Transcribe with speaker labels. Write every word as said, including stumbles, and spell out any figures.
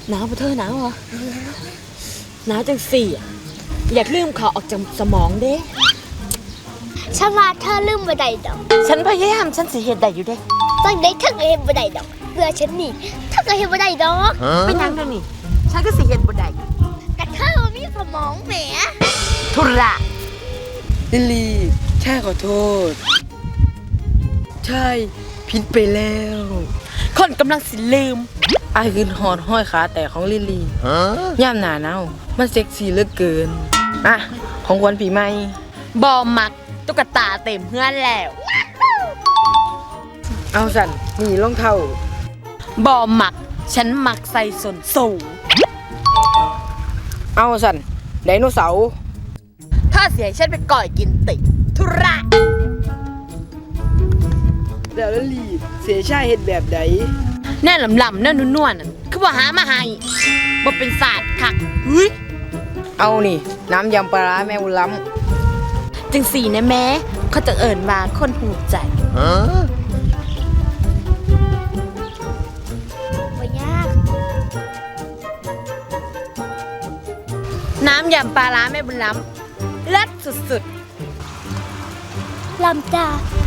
Speaker 1: หนาวปะเธอหนาวเหรอหนาวจังสี่อะอยากลืมเขาออกจากสมองเด้
Speaker 2: ฉันว่าเธอลืมบ่ได้ดอก
Speaker 1: ฉันพยายามฉันสิเฮ็ดได้อยู่เด้
Speaker 2: จังได้เธอก็เฮ็ดบ่ได้ดอกเบื่อฉันนี่เธอก็เฮ็ดบ่ได้ดอก
Speaker 1: เป็นยังเด้อนี่ฉันก็สิเฮ็ดบ่ได้
Speaker 2: กะเธอบ่มีสมองแหม
Speaker 1: ทุระ
Speaker 3: ลิลลี่ใช่ขอโทษใช่ผิดไปแล้ว
Speaker 1: คนกำลังสิลืม
Speaker 3: ไอ้คือหอดห้อยขาแต่ของลิลลี่ย่ามหนาหนาวมันเซ็กซี่เหลือเกินอ่ะของขวัญปีใหม่
Speaker 1: บอมักตุ๊กตาเต็มเพื่อนแล้ว
Speaker 3: เอาสั่นนี่รองเท้า
Speaker 1: บอมักฉันมักใส่ส้นสูง
Speaker 3: เอาสั่นไดโนเสาร์
Speaker 1: ถ้าเสียฉันไปก่อยกินติทุระ
Speaker 3: แล้วลิลลี่เสียชายเฮ็ดแบบใด
Speaker 1: แน่ลำๆแน่นวลๆนั่นคือว่าหามาให้บ่เป็นศาสตร์คักเฮ้ย
Speaker 3: เอานี่น้ำยำปลาร้าแม่บุญล้
Speaker 1: ำจังสี่นะแม่เขาจะเอิ่นว่าคนหูใจ
Speaker 2: บ่ยาก
Speaker 1: น้ำยำปลาร้าแม่บุญล้ำเลิศสุด
Speaker 2: ลำจ้า